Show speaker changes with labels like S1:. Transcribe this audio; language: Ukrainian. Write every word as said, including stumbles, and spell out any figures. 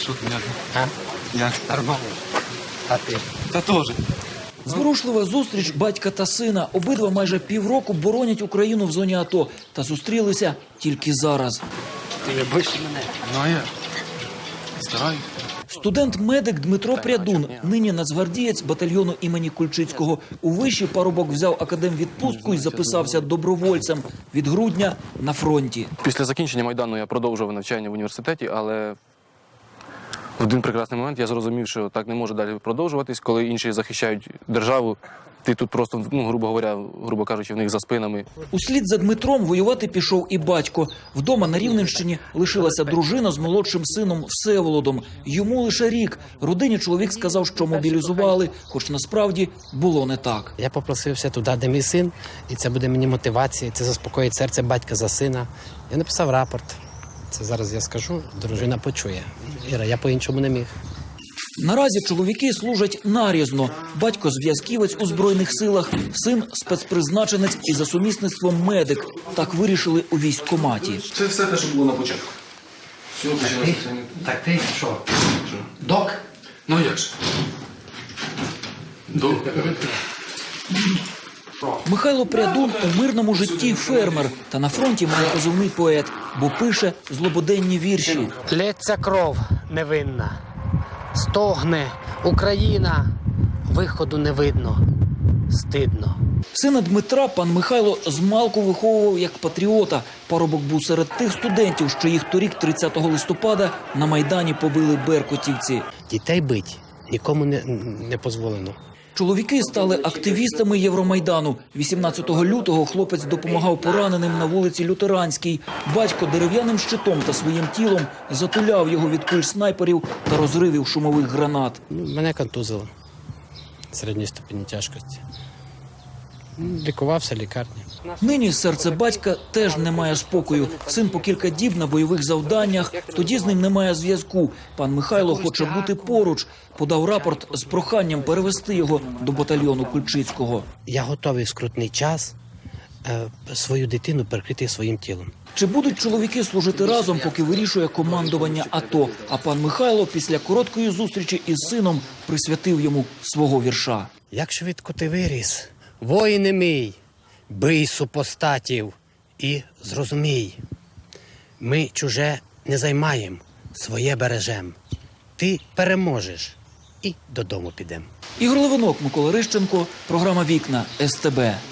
S1: Що ти, як?
S2: А?
S1: Як?
S2: Нормально. А ти?
S1: Та теж.
S3: Зворушлива зустріч батька та сина. Обидва майже півроку боронять Україну в зоні АТО. Та зустрілися тільки зараз.
S2: Ти не боїшся мене?
S1: Ну, а я? Стараюсь.
S3: Студент-медик Дмитро Прядун, нині нацгвардієць батальйону імені Кульчицького. У виші парубок взяв академвідпустку і записався добровольцем. Від грудня на фронті.
S4: Після закінчення Майдану я продовжував навчання в університеті, але в один прекрасний момент я зрозумів, що так не може далі продовжуватись, коли інші захищають державу. Ти тут просто, ну, грубо говоря, грубо кажучи, в них за спинами.
S3: Услід за Дмитром воювати пішов і батько. Вдома на Рівненщині лишилася дружина з молодшим сином Всеволодом. Йому лише рік. Родині чоловік сказав, що мобілізували, хоч насправді було не так.
S2: Я попросився туди, де мій син, і це буде мені мотивація, це заспокоїть серце батька за сина. Я написав рапорт. Це зараз я скажу, дружина почує. Іра, я по-іншому не міг.
S3: Наразі чоловіки служать нарізно. Батько зв'язківець у Збройних силах, син спецпризначенець і за сумісництвом медик. Так вирішили у військкоматі.
S1: Це все те, що було на початку. Все почалося.
S2: Так ти що? Док?
S1: Ну, як же? До...
S3: Михайло Прядун у мирному житті фермер, та на фронті має позивний поет, бо пише злободенні вірші.
S2: Лється кров невинна, стогне Україна, виходу не видно, стидно.
S3: Сина Дмитра пан Михайло змалку виховував як патріота. Парубок був серед тих студентів, що їх торік, тридцятого листопада, на Майдані побили беркутівці.
S2: Дітей бить нікому не, не дозволено.
S3: Чоловіки стали активістами Євромайдану. вісімнадцятого лютого хлопець допомагав пораненим на вулиці Лютеранській. Батько дерев'яним щитом та своїм тілом затуляв його від куль снайперів та розривів шумових гранат.
S2: Ну, мене контузило середньої ступені тяжкості. Ну, лікувався в лікарні.
S3: Нині серце батька теж не має спокою. Син по кілька діб на бойових завданнях, тоді з ним немає зв'язку. Пан Михайло хоче бути поруч. Подав рапорт з проханням перевести його до батальйону Кульчицького.
S2: Я готовий в скрутний час е, свою дитину перекрити своїм тілом.
S3: Чи будуть чоловіки служити разом, поки вирішує командування АТО? А пан Михайло після короткої зустрічі із сином присвятив йому свого вірша.
S2: Як швидко ти виріс, воїне мій, бий супостатів і зрозумій. Ми чуже не займаєм, своє бережем. Ти переможеш і додому підем.
S3: Ігор Левинок, Микола Рищенко, програма «Вікна» ес те бе.